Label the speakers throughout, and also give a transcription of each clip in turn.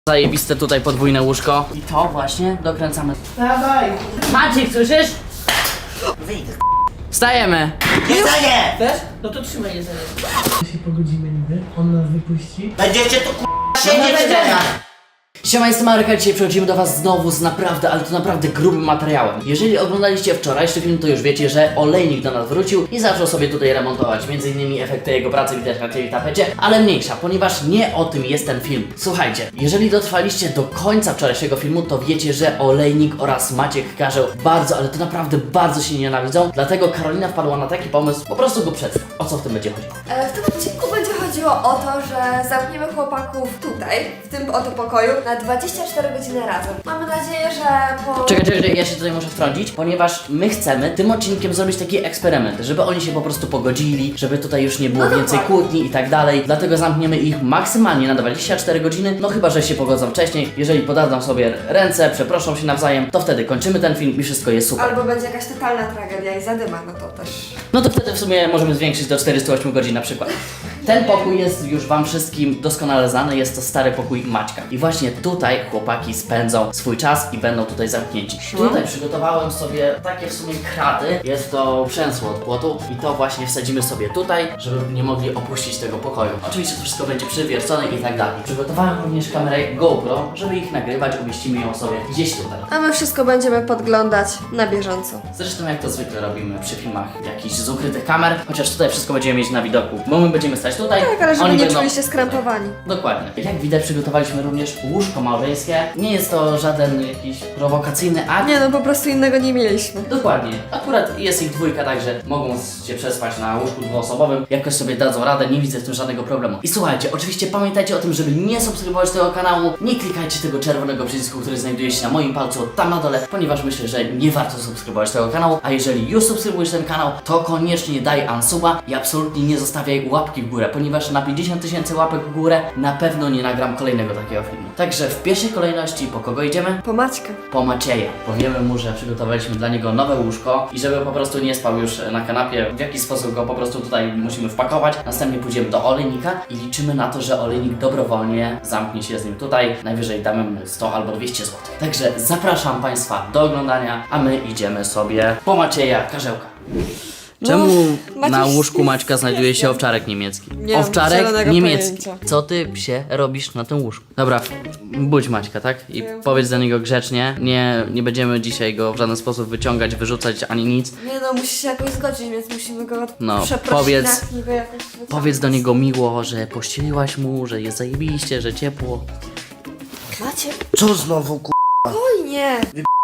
Speaker 1: Zajebiste tutaj podwójne łóżko. I to właśnie dokręcamy.
Speaker 2: Dawaj!
Speaker 1: Maciek, słyszysz?
Speaker 3: Wyjdę.
Speaker 1: Wstajemy!
Speaker 3: Jedzenie!
Speaker 2: Też? No to trzymaj jedzenie. Się pogodzimy niby, on nas wypuści.
Speaker 3: Będziecie tu siedzieć teraz.
Speaker 1: Siema, jestem Marek, dzisiaj przechodzimy do was znowu z naprawdę, ale to naprawdę grubym materiałem. Jeżeli oglądaliście wczorajszy film, to już wiecie, że olejnik do nas wrócił i zaczął sobie tutaj remontować. Między innymi efekty jego pracy widać na tej tapecie, ale mniejsza, ponieważ nie o tym jest ten film. Słuchajcie, jeżeli dotrwaliście do końca wczorajszego filmu, to wiecie, że olejnik oraz Maciek Karzeł bardzo, ale to naprawdę bardzo się nienawidzą. Dlatego Karolina wpadła na taki pomysł, po prostu go przedstaw. O co w tym będzie chodziło?
Speaker 4: W tym odcinku będzie chodziło o to, że zamkniemy chłopaków tutaj, w tym oto pokoju, na 24 godziny razem. Mamy nadzieję, że po...
Speaker 1: Czekaj, ja się tutaj muszę wtrącić, ponieważ my chcemy tym odcinkiem zrobić taki eksperyment, żeby oni się po prostu pogodzili, żeby tutaj już nie było więcej kłótni i tak dalej. Dlatego zamkniemy ich maksymalnie na 24 godziny, no chyba, że się pogodzą wcześniej. Jeżeli podadzą sobie ręce, przeproszą się nawzajem, to wtedy kończymy ten film i wszystko jest super.
Speaker 4: Albo będzie jakaś totalna tragedia i zadyma, no to też...
Speaker 1: No to wtedy w sumie możemy zwiększyć do 48 godzin na przykład. Ten pokój jest już wam wszystkim doskonale znany, jest to stary pokój Maćka. I właśnie tutaj chłopaki spędzą swój czas i będą tutaj zamknięci. Tutaj przygotowałem sobie takie w sumie kraty. Jest to przęsło od płotu i to właśnie wsadzimy sobie tutaj, żeby nie mogli opuścić tego pokoju. Oczywiście to wszystko będzie przywiercone i tak dalej. Przygotowałem również kamerę GoPro, żeby ich nagrywać, umieścimy ją sobie gdzieś tutaj.
Speaker 4: A my wszystko będziemy podglądać na bieżąco.
Speaker 1: Zresztą jak to zwykle robimy przy filmach jakichś z ukrytych kamer, chociaż tutaj wszystko będziemy mieć na widoku, bo my będziemy stać tutaj,
Speaker 4: Tak, ale żeby
Speaker 1: oni
Speaker 4: nie
Speaker 1: będą...
Speaker 4: czuli się skrępowani.
Speaker 1: Dokładnie. Jak widać przygotowaliśmy również łóżko małżeńskie. Nie jest to żaden jakiś prowokacyjny akt.
Speaker 4: Nie no, po prostu innego nie mieliśmy.
Speaker 1: Dokładnie. Akurat jest ich dwójka, także mogą się przespać na łóżku dwuosobowym. Jakoś sobie dadzą radę, nie widzę w tym żadnego problemu. I słuchajcie, oczywiście pamiętajcie o tym, żeby nie subskrybować tego kanału, nie klikajcie tego czerwonego przycisku, który znajduje się na moim palcu tam na dole, ponieważ myślę, że nie warto subskrybować tego kanału, a jeżeli już subskrybujesz ten kanał, to koniecznie daj unsuba i absolutnie nie zostawiaj łapki w górę, ponieważ na 50 000 łapek w górę na pewno nie nagram kolejnego takiego filmu. Także w pierwszej kolejności po kogo idziemy?
Speaker 4: Po Maćka.
Speaker 1: Po Macieja. Powiemy mu, że przygotowaliśmy dla niego nowe łóżko i żeby po prostu nie spał już na kanapie, w jaki sposób go po prostu tutaj musimy wpakować. Następnie pójdziemy do olejnika i liczymy na to, że olejnik dobrowolnie zamknie się z nim tutaj. Najwyżej damy mu 100 albo 200 zł. Także zapraszam Państwa do oglądania, a my idziemy sobie po Macieja Karzełka. Czemu
Speaker 4: Maciuś
Speaker 1: na łóżku
Speaker 4: jest
Speaker 1: Maćka znajduje się owczarek niemiecki?
Speaker 4: Nie mam
Speaker 1: Owczarek
Speaker 4: zielonego
Speaker 1: niemiecki.
Speaker 4: pojęcia.
Speaker 1: Co ty, psie, robisz na tym łóżku? Dobra, budź Maćka, tak? I powiedz do niego grzecznie. Nie będziemy dzisiaj go w żaden sposób wyciągać, wyrzucać ani nic.
Speaker 4: Nie no, musi się jakoś zgodzić, więc musimy go
Speaker 1: No,
Speaker 4: przeprosić,
Speaker 1: powiedz-
Speaker 4: niby jakoś
Speaker 1: Powiedz do niego miło, że pościeliłaś mu, że jest zajebiście, że ciepło.
Speaker 4: Macie?
Speaker 3: Co znowu
Speaker 4: Spokojnie.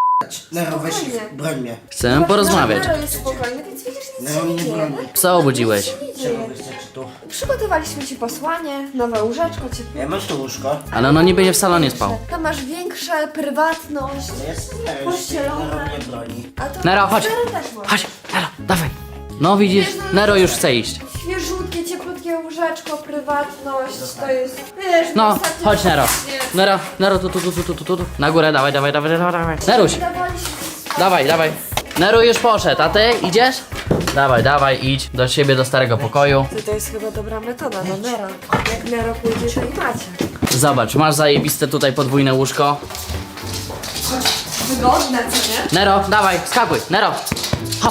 Speaker 3: Nero, weź
Speaker 4: Spokojnie.
Speaker 3: ich, broń mnie.
Speaker 1: Chcę porozmawiać.
Speaker 4: Nero jest spokojny, więc widzisz, nic
Speaker 3: Nero
Speaker 4: się nie
Speaker 3: mnie
Speaker 4: dzieje.
Speaker 3: broni.
Speaker 1: Psa obudziłeś.
Speaker 4: Nic się nie
Speaker 3: Czemu
Speaker 4: dzieje.
Speaker 3: wystarczy tu?
Speaker 4: Przygotowaliśmy ci posłanie, nowe łóżeczko, ciepłe.
Speaker 3: Ja masz tu łóżko?
Speaker 1: Ale ono nie będzie w salonie spał.
Speaker 4: Tam masz większe prywatność.
Speaker 3: Jest?
Speaker 4: Pościelone.
Speaker 3: Nero mnie broni.
Speaker 4: A to
Speaker 1: Nero, chodź.
Speaker 4: Nero też może.
Speaker 1: Chodź, Nero, dawaj. No widzisz, Nero już chce iść.
Speaker 4: Świeżutkie, cieplutkie łóżeczko, prywatność, to jest... Wiesz,
Speaker 1: No,
Speaker 4: ostatnio-
Speaker 1: chodź Nero.
Speaker 4: Nie.
Speaker 1: Nero, tu. Na górę, dawaj. Neruś,
Speaker 4: Dawaliśmy
Speaker 1: dawaj. Neru już poszedł, a ty idziesz? Dawaj, idź do siebie, do starego pokoju.
Speaker 4: To jest chyba dobra metoda, no Nero. Jak Nero pójdzie, to i macie.
Speaker 1: Zobacz, masz zajebiste tutaj podwójne łóżko.
Speaker 4: Wygodne, co nie?
Speaker 1: Nero, dawaj, skakuj, Nero. Hop.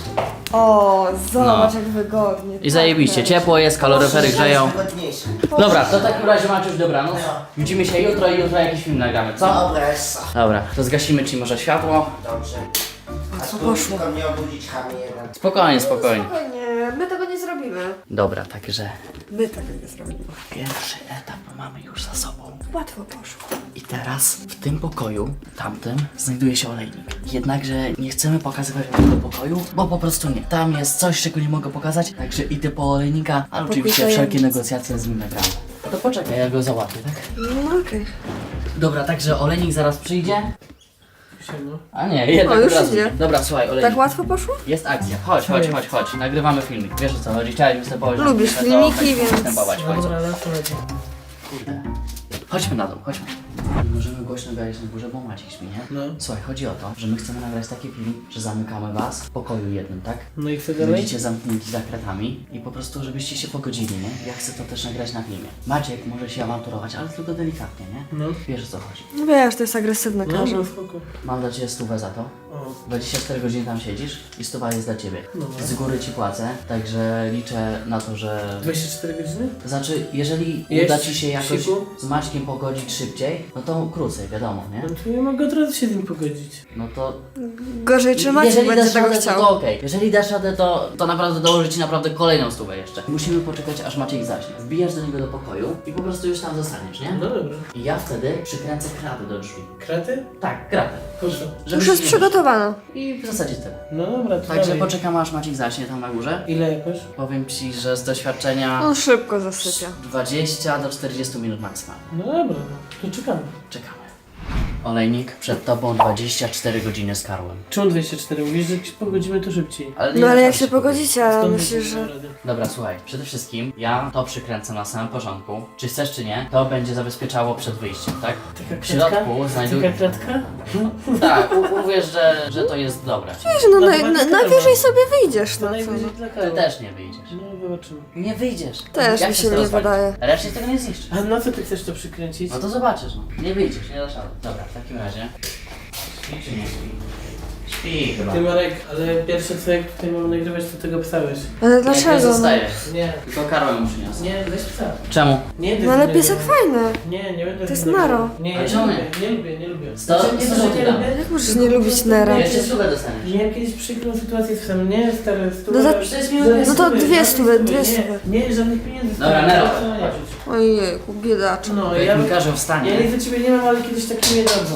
Speaker 4: O, zobacz
Speaker 1: No.
Speaker 4: jak wygodnie.
Speaker 1: I zajebiście, ciepło jest, kaloryfery grzeją.
Speaker 3: Wygodniejsze.
Speaker 1: Dobra, to w takim razie Maciuś, dobranoc. Widzimy się jutro i jutro jakiś film nagramy, co?
Speaker 3: Dobra, jest.
Speaker 1: Dobra, to zgasimy ci może światło.
Speaker 3: Dobrze. A tu
Speaker 4: poszło?
Speaker 3: tylko mnie obudzić chamie jeden.
Speaker 1: Spokojnie.
Speaker 4: Spokojnie, my tego nie zrobimy.
Speaker 1: Dobra, także
Speaker 4: My tego nie zrobimy.
Speaker 1: pierwszy etap mamy już za sobą.
Speaker 4: Łatwo poszło.
Speaker 1: I teraz w tym pokoju, tamtym, znajduje się olejnik. Jednakże nie chcemy pokazywać wam tego pokoju, bo po prostu nie. Tam jest coś, czego nie mogę pokazać, także idę po olejnika, ale oczywiście
Speaker 4: Pokój
Speaker 1: wszelkie
Speaker 4: tajemnic.
Speaker 1: negocjacje z nim nagramy. No to poczekaj, ja go załatwię, tak?
Speaker 4: No okej.
Speaker 1: Dobra, także olejnik zaraz przyjdzie.
Speaker 2: Siema.
Speaker 1: A nie, jednak
Speaker 4: O, już
Speaker 1: od razu.
Speaker 4: idzie.
Speaker 1: Dobra, słuchaj, olejnik.
Speaker 4: Tak łatwo poszło?
Speaker 1: Jest akcja. Chodź. Nagrywamy filmik. Wiesz o co chodzi? Chciałeś występować.
Speaker 4: Lubisz
Speaker 1: to
Speaker 4: filmiki,
Speaker 1: będziesz
Speaker 4: więc-
Speaker 1: występować. Chodź.
Speaker 2: Dobra, lecę.
Speaker 1: Kurde. Chodźmy na dół, chodźmy. Nie możemy głośno gadać na górze, bo Maciek śpi, nie?
Speaker 2: No.
Speaker 1: Słuchaj, chodzi o to, że my chcemy nagrać taki film, że zamykamy was w pokoju jednym, tak?
Speaker 2: No i co dalej?
Speaker 1: Będziecie zamknięci za kratami i po prostu, żebyście się pogodzili, nie? Ja chcę to też nagrać na filmie. Maciek może się awanturować, ale tylko delikatnie, nie?
Speaker 2: No.
Speaker 1: Wiesz, o co chodzi.
Speaker 4: No wiesz, to jest agresywne,
Speaker 2: No,
Speaker 4: każdy.
Speaker 2: no spoko.
Speaker 1: Mam dla ciebie 100 za to.
Speaker 2: O.
Speaker 1: 24 godziny tam siedzisz i 100 jest dla ciebie.
Speaker 2: No.
Speaker 1: Z góry ci płacę, także liczę na to, że...
Speaker 2: 24 godziny?
Speaker 1: Znaczy, jeżeli
Speaker 2: Jeść,
Speaker 1: uda ci się jakoś
Speaker 2: siku?
Speaker 1: z Maćkiem pogodzić szybciej, no to krócej, wiadomo, nie?
Speaker 2: No to ja mogę od razu się z nim pogodzić.
Speaker 1: No to...
Speaker 4: Gorzej, czy Maciek
Speaker 1: Jeżeli
Speaker 4: będzie
Speaker 1: dasz
Speaker 4: tego
Speaker 1: radę,
Speaker 4: chciał?
Speaker 1: to okej. Jeżeli dasz radę, to naprawdę dołoży ci naprawdę kolejną 100 jeszcze. Musimy poczekać, aż Maciek zaśnie. Wbijasz do niego do pokoju i po prostu już tam zostaniesz, nie?
Speaker 2: No dobra.
Speaker 1: I ja wtedy przykręcę kratę do drzwi.
Speaker 2: Kraty?
Speaker 1: Tak, kratę.
Speaker 2: Po co?
Speaker 4: Już jest przygotowana.
Speaker 1: I w zasadzie tyle.
Speaker 2: No dobra, to
Speaker 1: Także
Speaker 2: dalej.
Speaker 1: poczekamy, aż Maciek zaśnie tam na górze.
Speaker 2: Ile jakoś?
Speaker 1: Powiem ci, że z doświadczenia
Speaker 4: On szybko zasypia.
Speaker 1: 20 do 40 minut maksymalnie.
Speaker 2: No dobra, no. To czekamy.
Speaker 1: Czekamy. Olejnik, przed tobą 24 godziny z Karłem.
Speaker 2: Czemu 24? Mówisz, że jak się pogodzimy to szybciej.
Speaker 1: nie
Speaker 4: No ale
Speaker 1: naprawdę
Speaker 4: jak się
Speaker 1: pogodzić.
Speaker 4: pogodzicie, ale
Speaker 2: Skąd
Speaker 4: myślisz,
Speaker 2: będziemy
Speaker 4: że...
Speaker 2: radę?
Speaker 1: Dobra, słuchaj, przede wszystkim ja to przykręcę na samym początku. Czy chcesz, czy nie, to będzie zabezpieczało przed wyjściem, tak?
Speaker 2: Taka
Speaker 1: W środku
Speaker 2: kratka?
Speaker 1: znajduj...
Speaker 2: Taka kratka?
Speaker 1: Tak, uwierz, że to jest dobre.
Speaker 4: Wiesz, no
Speaker 2: No chyba nie
Speaker 4: najwyżej
Speaker 2: wiadomo.
Speaker 4: sobie wyjdziesz,
Speaker 2: To
Speaker 4: no co
Speaker 2: najwyżej
Speaker 4: no.
Speaker 2: dla
Speaker 1: Ty
Speaker 2: Karol.
Speaker 1: też nie wyjdziesz.
Speaker 2: No zobaczymy.
Speaker 1: Nie wyjdziesz.
Speaker 4: Też
Speaker 1: Jak
Speaker 4: mi
Speaker 1: chcesz
Speaker 4: się
Speaker 1: to
Speaker 4: nie
Speaker 1: rozwalić?
Speaker 4: wydaje.
Speaker 1: Raczej tego nie zniszczysz.
Speaker 2: A na co ty chcesz to przykręcić?
Speaker 1: No to zobaczysz, no. Nie wyjdziesz, nie dasz rady. Dobra, w takim razie... Śpi czy nie śpi? Śpi chyba.
Speaker 2: Ty Marek, ale pierwsze co jak tutaj mamy nagrywać, to tego psałeś.
Speaker 4: Ale
Speaker 1: Nie
Speaker 4: dlaczego? No?
Speaker 1: zostaje.
Speaker 2: Nie,
Speaker 1: Tylko Karłem mu przyniosę.
Speaker 2: nie, weź psa.
Speaker 1: Czemu?
Speaker 2: Nie,
Speaker 4: No ale piesek
Speaker 2: nie,
Speaker 4: fajny.
Speaker 2: nie będę
Speaker 4: To jest
Speaker 2: z nim nagrywał.
Speaker 4: Naro.
Speaker 2: Nie,
Speaker 1: Ale
Speaker 2: nie
Speaker 1: czemu
Speaker 2: lubię, nie lubię, nie lubię.
Speaker 1: Sto-
Speaker 2: Znaczy, nie,
Speaker 1: sto
Speaker 2: że nie
Speaker 1: złotych dam.
Speaker 2: lubię,
Speaker 4: Jak możesz
Speaker 2: tylko
Speaker 4: nie
Speaker 2: po
Speaker 4: lubić
Speaker 2: prostu
Speaker 4: Nera?
Speaker 2: wiesz,
Speaker 1: Jeszcze stówę dostaniesz.
Speaker 2: miałem kiedyś przykrą sytuację z psem, nie stary,
Speaker 4: No za- no to dwie stówy,
Speaker 2: Nie, żadnych pieniędzy.
Speaker 1: Dobra,
Speaker 2: stary,
Speaker 1: Nero.
Speaker 2: to nie czuć.
Speaker 4: Ojejku, biedaczek.
Speaker 2: No,
Speaker 1: Jak
Speaker 2: ja,
Speaker 1: mi każą
Speaker 2: ja
Speaker 1: wstanie.
Speaker 2: nic do ciebie nie mam, ale kiedyś tak nie dadzą.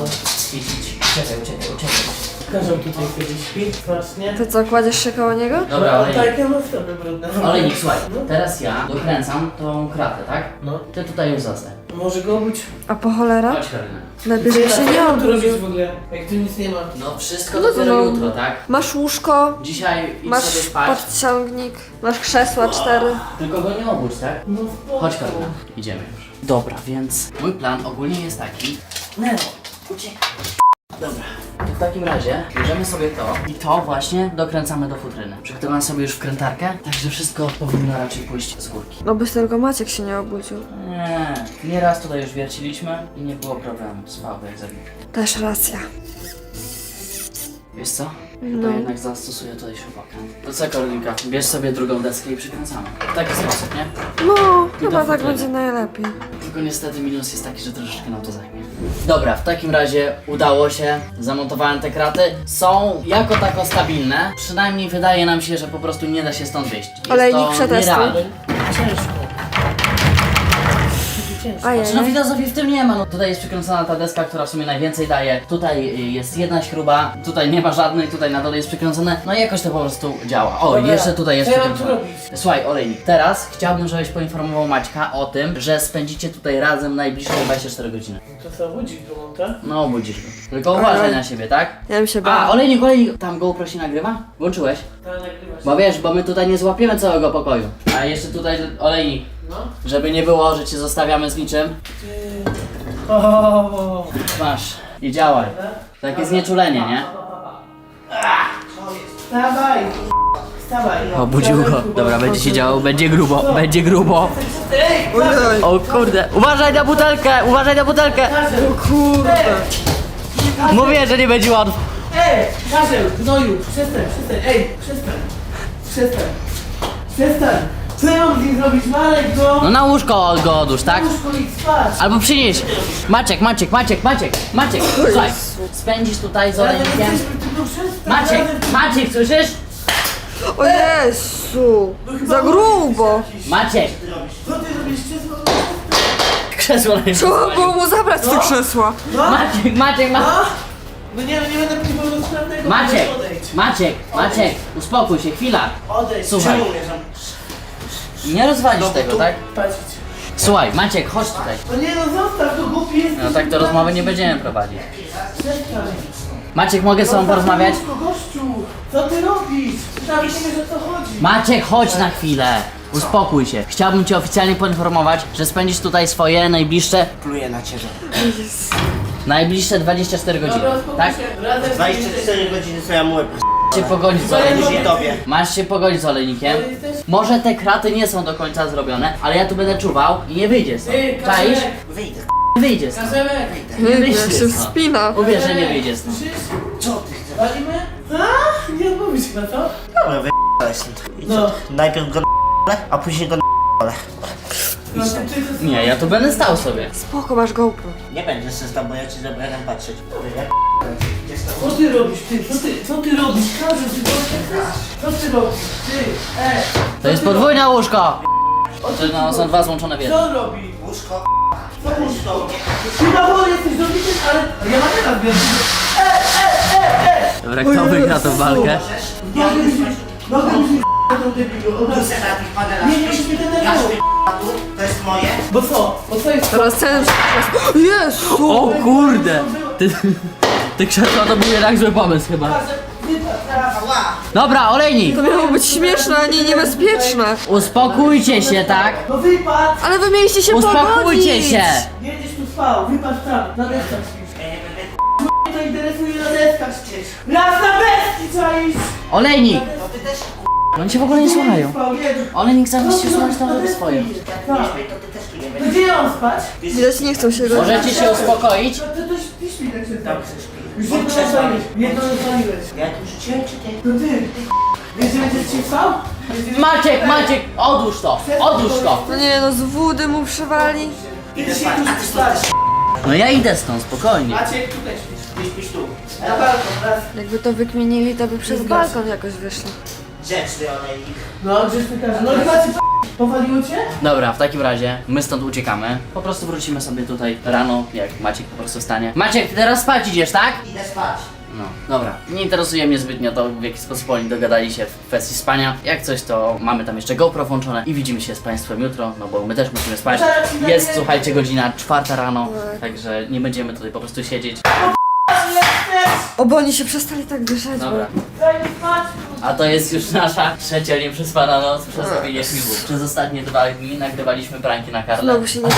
Speaker 1: Uciekaj.
Speaker 2: Każą tutaj kiedyś śpi, właśnie.
Speaker 4: To co, kładziesz się koło niego?
Speaker 1: Dobra,
Speaker 2: no,
Speaker 1: olejnik.
Speaker 2: tak, ja mam stopy brudne.
Speaker 1: Olejnik, słuchaj,
Speaker 2: No.
Speaker 1: teraz ja dokręcam tą kratę, tak?
Speaker 2: No,
Speaker 1: Ty tutaj już zostań.
Speaker 2: może go obudź.
Speaker 4: A po cholera?
Speaker 1: Chodź, Karolina.
Speaker 4: Najpierw się
Speaker 2: Co
Speaker 4: nie
Speaker 2: ja mam tu robić
Speaker 4: obudził.
Speaker 2: w ogóle, jak tu nic nie ma?
Speaker 1: No wszystko
Speaker 4: No to
Speaker 1: dopiero
Speaker 4: no.
Speaker 1: jutro, tak?
Speaker 4: Masz łóżko,
Speaker 1: Dzisiaj idź
Speaker 4: masz
Speaker 1: sobie spać,
Speaker 4: podciągnik, masz krzesła 4.
Speaker 1: tylko go nie obudź, tak?
Speaker 2: No spoko.
Speaker 1: Chodź, Karolina, idziemy już. Dobra, więc mój plan ogólnie jest taki. Nero, uciekaj. Dobra. W takim razie bierzemy sobie to i to właśnie dokręcamy do futryny. Przygotowałem sobie już wkrętarkę, także wszystko powinno raczej pójść z górki.
Speaker 4: No byś tylko Maciek się nie obudził.
Speaker 1: Nieraz tutaj już wierciliśmy i nie było problemu. Spał jak zabity.
Speaker 4: Też racja.
Speaker 1: Wiesz co?
Speaker 4: No.
Speaker 1: To jednak zastosuję tutaj śrubokręt. To co, Karolinka? Bierz sobie drugą deskę i przykręcamy. W taki sposób, nie?
Speaker 4: No,
Speaker 1: I
Speaker 4: chyba
Speaker 1: do
Speaker 4: tak
Speaker 1: futryny.
Speaker 4: będzie najlepiej.
Speaker 1: Tylko niestety minus jest taki, że troszeczkę nam to zajmie. Dobra, w takim razie udało się. Zamontowałem te kraty. Są jako tako stabilne. Przynajmniej wydaje nam się, że po prostu nie da się stąd wyjść. Jest
Speaker 4: Olejnik,
Speaker 1: to
Speaker 4: przetestuj.
Speaker 1: nierealne.
Speaker 2: Ciężko. Ciężko.
Speaker 4: Ajej.
Speaker 1: Znaczy, no filozofi w tym nie ma. No, tutaj jest przykręcona ta deska, która w sumie najwięcej daje. Tutaj jest jedna śruba, tutaj nie ma żadnej, tutaj na dole jest przykręcone. No i jakoś to po prostu działa. O,
Speaker 2: Dobra,
Speaker 1: jeszcze tutaj jest
Speaker 2: co ja mam tu
Speaker 1: przykręcone.
Speaker 2: robić?
Speaker 1: Słuchaj, Olejnik, teraz chciałbym, żebyś poinformował Maćka o tym, że spędzicie tutaj razem najbliższe 24 godziny.
Speaker 2: To co, budzik go monta?
Speaker 1: No, budzisz go. Tylko uważaj
Speaker 4: Ale-
Speaker 1: na siebie, tak?
Speaker 4: Ja bym się
Speaker 1: A,
Speaker 4: bała.
Speaker 1: Olejnik, tam GoPro się nagrywa? Włączyłeś?
Speaker 2: Ta nagrywasz.
Speaker 1: Bo wiesz, bo my tutaj nie złapiemy całego pokoju. A jeszcze tutaj, Olejnik,
Speaker 2: No.
Speaker 1: żeby nie było, że cię zostawiamy z niczym.
Speaker 2: O.
Speaker 1: Masz i działaj. Takie znieczulenie, nie?
Speaker 2: Wstawaj! Wstawaj!
Speaker 1: Obudził go. Dobra, będzie się działo, będzie grubo, będzie grubo.
Speaker 2: Ej!
Speaker 4: Ojej.
Speaker 1: O kurde, uważaj na butelkę, uważaj na butelkę.
Speaker 4: Kurde.
Speaker 1: Mówię, że nie będzie łatwo.
Speaker 2: Ej! Karzeł! Gnoju! Przestań! Ej! Przestań! Co ja mam z nim zrobić? Marek go!
Speaker 1: No na łóżko go odłóż, tak?
Speaker 2: Łóżko i spać!
Speaker 1: Albo przynieś. Maciek, słuchaj. Spędzisz tutaj z
Speaker 2: Razem
Speaker 1: Olejnikiem.
Speaker 2: jesteśmy, tylko przestań!
Speaker 1: Maciek, słyszysz?
Speaker 4: O Jezu. Za grubo.
Speaker 1: Maciek.
Speaker 2: Co ty robisz?
Speaker 1: Krzesło na
Speaker 4: Trzeba było mu zabrać te krzesła.
Speaker 2: No?
Speaker 1: Maciek.
Speaker 2: No nie będę niepełnosprawnego.
Speaker 1: Maciek, uspokój się, chwila.
Speaker 2: Odejdź!
Speaker 1: Słuchaj.
Speaker 2: Czemu umieszam?
Speaker 1: Nie rozwalisz tego, tak?
Speaker 2: Patrzcie.
Speaker 1: Słuchaj, Maciek, chodź tutaj.
Speaker 2: No nie no, zostaw, to głupi jest.
Speaker 1: No tak to rozmowy nie będziemy prowadzić.
Speaker 2: Przestań.
Speaker 1: Maciek, mogę z tobą porozmawiać?
Speaker 2: Gościu, co ty robisz? Nawet nie wiesz o co chodzi.
Speaker 1: Maciek, chodź na chwilę. Uspokój się. Chciałbym cię oficjalnie poinformować, że spędzisz tutaj swoje
Speaker 3: Pluję na ciebie.
Speaker 1: najbliższe 24 godziny.
Speaker 2: Dobra, uspokój
Speaker 1: Tak?
Speaker 2: się. Razem
Speaker 3: 24 godziny co ja mówię,
Speaker 1: Masz się pogodzić z
Speaker 3: później
Speaker 1: olejnikiem.
Speaker 3: tobie.
Speaker 1: Masz się pogodzić z olejnikiem. Może te kraty nie są do końca zrobione, ale ja tu będę czuwał i nie wyjdzie stąd.
Speaker 2: Ty,
Speaker 1: Czaisz?
Speaker 2: Kaszelek,
Speaker 3: Wyjdę.
Speaker 1: Wyjdzie stąd.
Speaker 2: Kaszelek.
Speaker 1: Nie
Speaker 4: Jak
Speaker 1: wyjdzie
Speaker 4: się
Speaker 1: stąd.
Speaker 4: wspina.
Speaker 1: Uwierz, że nie wyjdzie stąd.
Speaker 2: Słyszysz?
Speaker 3: Co ty chcesz?
Speaker 2: Walimy? A? Nie odmówisz chyba, co?
Speaker 3: Dobra, wyjdę stąd. I co?
Speaker 2: No.
Speaker 3: Najpierw go a później go
Speaker 2: No,
Speaker 3: Idź
Speaker 2: to
Speaker 3: stąd.
Speaker 2: ty to
Speaker 1: Nie, ja tu będę stał sobie.
Speaker 4: Spoko, masz GoPro.
Speaker 3: Nie będziesz się tam, bo ja ci zabrałem patrzeć.
Speaker 2: Co ty robisz, ty? Co ty robisz? Każdy, ty co ty robisz? Ty,
Speaker 1: To jest podwójne łóżko! No, są dwa złączone w jedno.
Speaker 2: Co on robi?
Speaker 3: Łóżko,
Speaker 2: Co łóżko? Ty na wolę jesteś dobity, ale ja mam teraz wiem.
Speaker 1: Dobra, kto wygra tą walkę?
Speaker 2: Nogę mi tą debilu, od razu. Nie, nie musisz mnie denerwować.
Speaker 3: to jest moje.
Speaker 2: Bo co? Bo co jest?
Speaker 4: Teraz ten... Jezu!
Speaker 1: O kurde! Ty krzesła to był jednak zły pomysł chyba. Dobra, olejnik!
Speaker 4: To miało być śmieszne, a nie niebezpieczne.
Speaker 1: Uspokójcie się, tak?
Speaker 2: No wypadł!
Speaker 4: Ale wy mieliście się
Speaker 1: Uspokójcie
Speaker 4: pogodzić.
Speaker 1: się!
Speaker 2: Będziesz tu spał, wypadł tam, na deskach śpisz. Mnie to interesuje, na deskach śpisz. Raz na deski trzeba iść!
Speaker 1: Olejnik! Oni cię w ogóle nie słuchają.
Speaker 2: Spał, nie.
Speaker 1: Olejnik zamiast się słuchać, tam robi swoje.
Speaker 2: Tak. To gdzie mam spać?
Speaker 4: Widać, nie chcą się godzić.
Speaker 1: Możecie się uspokoić?
Speaker 2: To ty śpi tak się
Speaker 3: Dobrze, śpi.
Speaker 2: Już jedno rozwaliłeś. Jedno rozwaliłeś.
Speaker 3: Ja tu rzuciłem czy ty?
Speaker 2: To ty. Wiesz, że będziesz ci spał?
Speaker 1: Maciek, odłóż to! Odłóż to!
Speaker 4: No nie no, z wody mu przywali.
Speaker 2: Ty się tu spać.
Speaker 1: No ja idę stąd, spokojnie.
Speaker 2: Maciek, tutaj śpisz.
Speaker 3: Ty śpisz tu.
Speaker 2: Na balkon, raz.
Speaker 4: Jakby to wykminili, to by przez balkon jakoś wyszli.
Speaker 3: Grzeczny olejnik.
Speaker 2: No, grzeczny każe. No i Maciek, powaliło cię?
Speaker 1: Dobra, w takim razie my stąd uciekamy. Po prostu wrócimy sobie tutaj rano, jak Maciek po prostu wstanie. Maciek, ty teraz spać idziesz, tak?
Speaker 3: Idę spać.
Speaker 1: No, dobra. Nie interesuje mnie zbytnio to, w jaki sposób oni dogadali się w kwestii spania. Jak coś, to mamy tam jeszcze GoPro włączone i widzimy się z Państwem jutro, no bo my też musimy spać. Jest, słuchajcie, godzina 4 rano, także nie będziemy tutaj po prostu siedzieć.
Speaker 4: O, bo oni się przestali tak dyszać.
Speaker 1: Dobra.
Speaker 2: Daj mi spać.
Speaker 1: A to jest już nasza trzecia nieprzespana noc przez robienie filmów. Przez ostatnie 2 dni nagrywaliśmy pranki na Karle.
Speaker 4: Znowu się nie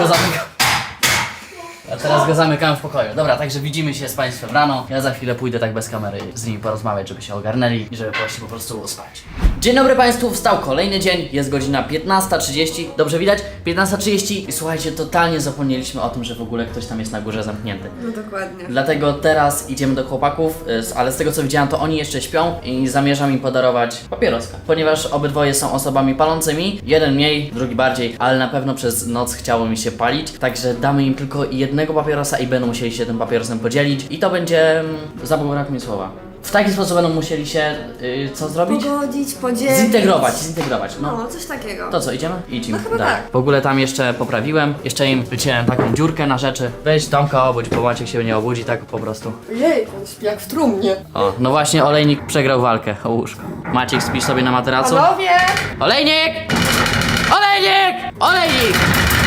Speaker 1: A teraz go zamykamy w pokoju. Dobra, także widzimy się z Państwem rano. Ja za chwilę pójdę tak bez kamery z nimi porozmawiać, żeby się ogarnęli i żeby właśnie po prostu spać. Dzień dobry Państwu, wstał kolejny dzień, jest godzina 15:30, dobrze widać? 15:30 i słuchajcie, totalnie zapomnieliśmy o tym, że w ogóle ktoś tam jest na górze zamknięty.
Speaker 4: No dokładnie.
Speaker 1: Dlatego teraz idziemy do chłopaków, ale z tego co widziałam, to oni jeszcze śpią i zamierzam im podarować papieroska. Ponieważ obydwoje są osobami palącymi, jeden mniej, drugi bardziej, ale na pewno przez noc chciało mi się palić, także damy im tylko jednego papierosa i będą musieli się tym papierosem podzielić i to będzie, zabrakło mi słowa. W taki sposób będą musieli się, co zrobić?
Speaker 4: Pogodzić, podzielić.
Speaker 1: Zintegrować, no.
Speaker 4: No, coś takiego.
Speaker 1: To co, idziemy? Idźmy.
Speaker 4: No chyba tak.
Speaker 1: W ogóle tam jeszcze poprawiłem, jeszcze im wyciąłem taką dziurkę na rzeczy. Weź Tomka obudź, bo Maciek się nie obudzi, tak po prostu.
Speaker 4: Jej, on śpi jak w trumnie.
Speaker 1: O, no właśnie olejnik przegrał walkę o łóżko. Maciek, spisz sobie na materacu?
Speaker 4: Panowie!
Speaker 1: Olejnik! Olejnik! Olejnik!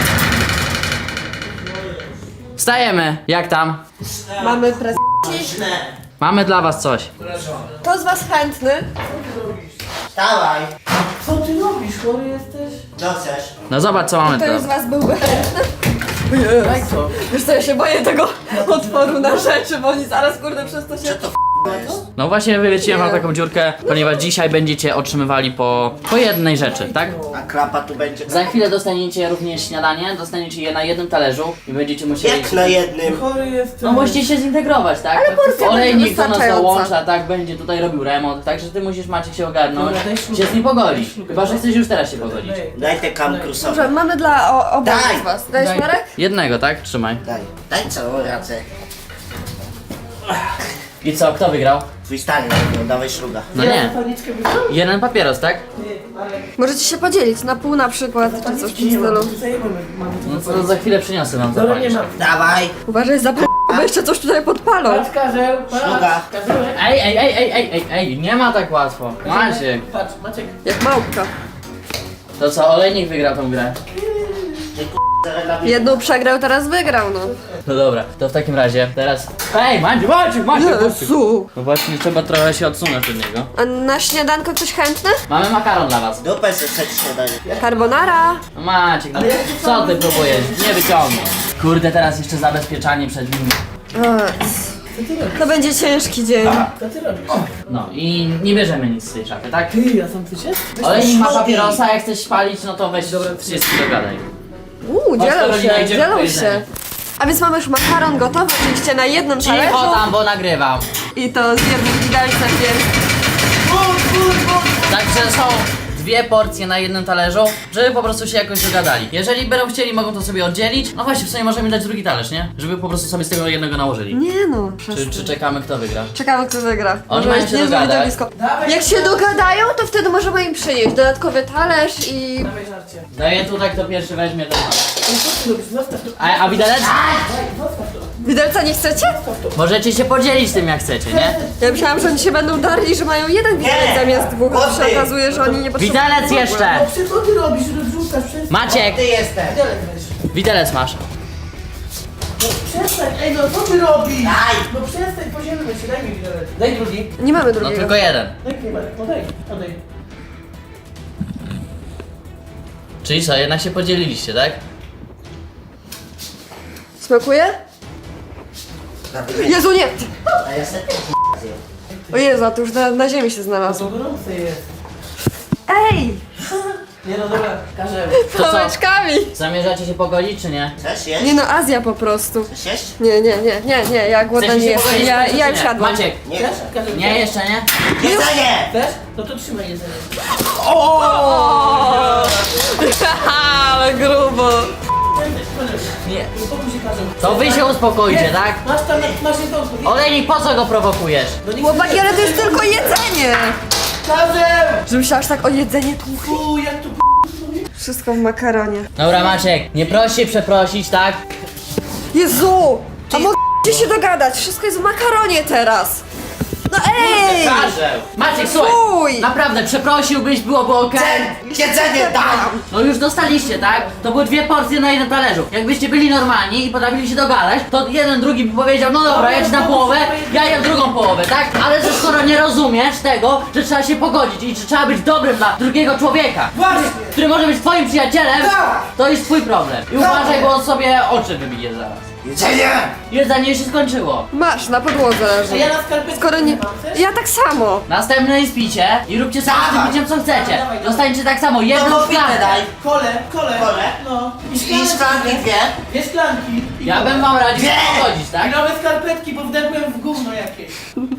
Speaker 1: Wstajemy, jak tam?
Speaker 4: Mamy prezent.
Speaker 3: Źle.
Speaker 1: Mamy dla was coś.
Speaker 4: Kto z was chętny?
Speaker 3: Wstawaj.
Speaker 2: Co ty robisz? Chory jesteś?
Speaker 3: Co chcesz?
Speaker 1: No zobacz co mamy
Speaker 4: Kto
Speaker 1: tu.
Speaker 4: z was byłby chętny?
Speaker 2: Daj co?
Speaker 4: Wiesz co, ja się boję tego otworu na rzeczy, bo oni zaraz kurde przez to się...
Speaker 1: No właśnie wywieciłem wam taką dziurkę, ponieważ dzisiaj będziecie otrzymywali po jednej rzeczy, tak?
Speaker 3: A klapa tu będzie.
Speaker 1: Za chwilę dostaniecie również śniadanie, dostaniecie je na jednym talerzu i będziecie musieli...
Speaker 3: Jak na jednym?
Speaker 2: Chory jesteś.
Speaker 1: No musicie się zintegrować, tak?
Speaker 4: Ale porcja
Speaker 1: olejnik
Speaker 4: będzie
Speaker 1: do nas
Speaker 4: wystarczająca.
Speaker 1: dołącza, tak? Będzie tutaj robił remont, także ty musisz Maciek się ogarnąć,
Speaker 2: Dobra, daj śrubę.
Speaker 1: się z nim pogodzić. Chyba, że chcesz już teraz się pogodzić.
Speaker 3: Daj te kam krusowe.
Speaker 4: Dobrze, mamy dla obu
Speaker 3: Daj!
Speaker 4: z was. Dajesz
Speaker 2: Daj.
Speaker 4: Marek?
Speaker 1: Jednego, tak? Trzymaj.
Speaker 3: Daj. Daj całą racę.
Speaker 1: I co, kto wygrał?
Speaker 3: Twój stary, no, dawaj szluga.
Speaker 1: No nie.
Speaker 2: Zapalniczkę wybrał?
Speaker 1: Jeden papieros, tak?
Speaker 2: Nie, ale...
Speaker 4: Możecie się podzielić na pół na przykład, czy coś w
Speaker 2: Zapalniczki
Speaker 4: tym
Speaker 2: nie mam,
Speaker 4: stylu.
Speaker 2: zajebamy. Mamy
Speaker 1: No to za chwilę przyniosę wam
Speaker 2: Dobra, nie
Speaker 1: zapalniczkę.
Speaker 2: mam.
Speaker 3: Dawaj.
Speaker 4: Uważaj za bo jeszcze coś tutaj podpalą.
Speaker 2: Patrz, Karzeł,
Speaker 3: Szluga.
Speaker 2: patrz. Karzełek.
Speaker 1: Ej, nie ma tak łatwo. Maciek.
Speaker 2: Patrz, Maciek.
Speaker 4: Jak małpka.
Speaker 1: To co, olejnik wygrał tą grę?
Speaker 4: Jedną przegrał, teraz wygrał, no.
Speaker 1: No dobra, to w takim razie teraz... Ej, Maciek!
Speaker 4: Jezu!
Speaker 1: No właśnie, trzeba trochę się odsunąć od niego.
Speaker 4: A na śniadanko ktoś chętny?
Speaker 1: Mamy makaron dla was.
Speaker 3: Dupę sobie śniadanie.
Speaker 4: Carbonara.
Speaker 1: No Maciek, no co ty próbujesz? Nie wyciągnij. Kurde, teraz jeszcze zabezpieczanie przed nim.
Speaker 4: To będzie ciężki dzień.
Speaker 2: Co ty robisz?
Speaker 1: No i nie bierzemy nic z tej szafy, tak?
Speaker 2: Ty, a sam ty się?
Speaker 1: Olejnik ma papierosa, jak chcesz palić, no to weź wszystko dogadaj.
Speaker 4: Dzielą
Speaker 1: Karolina,
Speaker 4: się,
Speaker 1: idziemy po
Speaker 4: dzielą
Speaker 1: jedzenie.
Speaker 4: się. A więc mamy już makaron gotowy, oczywiście na jednym talerzu.
Speaker 1: Cicho tam, bo nagrywam.
Speaker 4: I to z jednym widelcem, więc...
Speaker 1: Także są dwie porcje na jednym talerzu, żeby po prostu się jakoś dogadali. Jeżeli będą chcieli, mogą to sobie oddzielić. No właśnie, w sumie możemy dać drugi talerz, nie? Żeby po prostu sobie z tego jednego nałożyli.
Speaker 4: Nie no,
Speaker 1: Czy czekamy, kto wygra?
Speaker 4: Czekamy, kto wygra.
Speaker 1: Oni
Speaker 4: Może
Speaker 1: mają
Speaker 4: być
Speaker 1: się
Speaker 4: niezłe
Speaker 1: dogadać.
Speaker 4: widowisko.
Speaker 2: Dawaj,
Speaker 4: Jak się dogadają, to wtedy możemy im przynieść dodatkowy talerz i...
Speaker 2: Dawaj żarcie.
Speaker 1: Daję tutaj, kto pierwszy weźmie, ten ma.
Speaker 2: Ale co ty robisz? Zostaw to.
Speaker 1: A widelec?
Speaker 2: Zostaw to.
Speaker 4: Widelca nie chcecie?
Speaker 1: Możecie się podzielić tym, jak chcecie, nie?
Speaker 4: Ja myślałam, że oni się będą darli, że mają jeden widelec zamiast dwóch, a się okazuje, że oni nie potrzebują.
Speaker 1: Widelec jeszcze!
Speaker 2: No przecież co ty robisz? Rozrzucasz przez...
Speaker 1: Maciek!
Speaker 3: Ty jestem.
Speaker 2: Widelec weź.
Speaker 1: Widelec masz.
Speaker 2: No przestań, ej no co ty robisz?
Speaker 3: Daj.
Speaker 2: No przestań, podzielmy się, daj mi widelec. Daj drugi.
Speaker 4: Nie mamy
Speaker 1: No
Speaker 4: drugiego.
Speaker 1: tylko jeden.
Speaker 2: Daj kiełbasę, no daj, odej.
Speaker 1: Czyli co, jednak się podzieliliście, tak?
Speaker 4: Smakuje? Jezu, nie!
Speaker 3: A ja sobie
Speaker 4: O Jezu, a to już na ziemi się
Speaker 2: To
Speaker 4: znalazło.
Speaker 2: gorące jest.
Speaker 4: Ej!
Speaker 2: Nie no dobra, każemy.
Speaker 1: To co?
Speaker 4: Pałeczkami!
Speaker 1: Zamierzacie się pogodzić, czy nie?
Speaker 3: Chcesz jeść?
Speaker 4: Nie no, Azja po prostu.
Speaker 3: Chcesz jeść?
Speaker 4: Nie, ja głodna
Speaker 1: Chcecie
Speaker 4: nie
Speaker 1: się
Speaker 4: jestem.
Speaker 1: pogodzić,
Speaker 4: Ja
Speaker 1: czy
Speaker 4: już
Speaker 1: nie?
Speaker 4: jadłam.
Speaker 1: Maciek,
Speaker 3: Nie
Speaker 2: Chcesz?
Speaker 3: chcę.
Speaker 2: Każemy.
Speaker 1: nie, jeszcze nie?
Speaker 3: Jedzenie!
Speaker 2: Chcesz? No to trzymaj jedzenie.
Speaker 4: O! Ale grubo.
Speaker 1: Nie.
Speaker 2: Uspokój się każą.
Speaker 1: To wy się uspokoicie, tak?
Speaker 2: Masz tam, masz jedzonko.
Speaker 1: Olejnik, po co go prowokujesz?
Speaker 2: No nie
Speaker 4: Chłopaki, ale to jest tylko jedzenie!
Speaker 2: Każem!
Speaker 4: Że myślałaś tak o jedzenie tu.
Speaker 2: Fu, jak tu
Speaker 4: Wszystko w makaronie.
Speaker 1: Dobra, Maciek, nie proś się przeprosić, tak?
Speaker 4: Jezu! A mogę się dogadać, wszystko jest w makaronie teraz. No ej!
Speaker 1: Każę! Maciek,
Speaker 4: Fuj!
Speaker 1: słuchaj! Naprawdę, przeprosiłbyś, byłoby okej.
Speaker 3: Jedzenie daj!
Speaker 1: No już dostaliście, tak? To były dwie porcje na jednym talerzu. Jakbyście byli normalni i potrafili się dogadać, to jeden drugi by powiedział, no dobra, jedź na połowę, ja jem drugą połowę, tak? Ale że skoro nie rozumiesz tego, że trzeba się pogodzić i że trzeba być dobrym dla drugiego człowieka,
Speaker 2: Właśnie!
Speaker 1: który może być twoim przyjacielem,
Speaker 2: Tak!
Speaker 1: to jest twój problem. I uważaj, bo on sobie oczy wybije zaraz.
Speaker 3: Jedzenie!
Speaker 1: Jedzenie się skończyło.
Speaker 4: Masz, na podłodze
Speaker 2: A
Speaker 4: leży.
Speaker 2: ja na skarpetce
Speaker 4: Skoro nie...
Speaker 2: mam, chcesz?
Speaker 4: Ja tak samo.
Speaker 1: Następne spicie i róbcie sobie z tym
Speaker 3: Dawaj.
Speaker 1: piciem co chcecie.
Speaker 2: Dawaj.
Speaker 1: Dostańcie tak samo jedną
Speaker 3: No to pitę
Speaker 1: szklankę.
Speaker 3: daj.
Speaker 2: Kole.
Speaker 3: Kole?
Speaker 2: No.
Speaker 3: I szklanki dwie.
Speaker 2: Dwie szklanki. I
Speaker 1: Ja
Speaker 2: kole.
Speaker 1: bym wam radził
Speaker 3: Nie.
Speaker 1: się pogodzić,
Speaker 2: I
Speaker 1: tak?
Speaker 2: nowe skarpetki, bo wdepłem w gówno jakieś.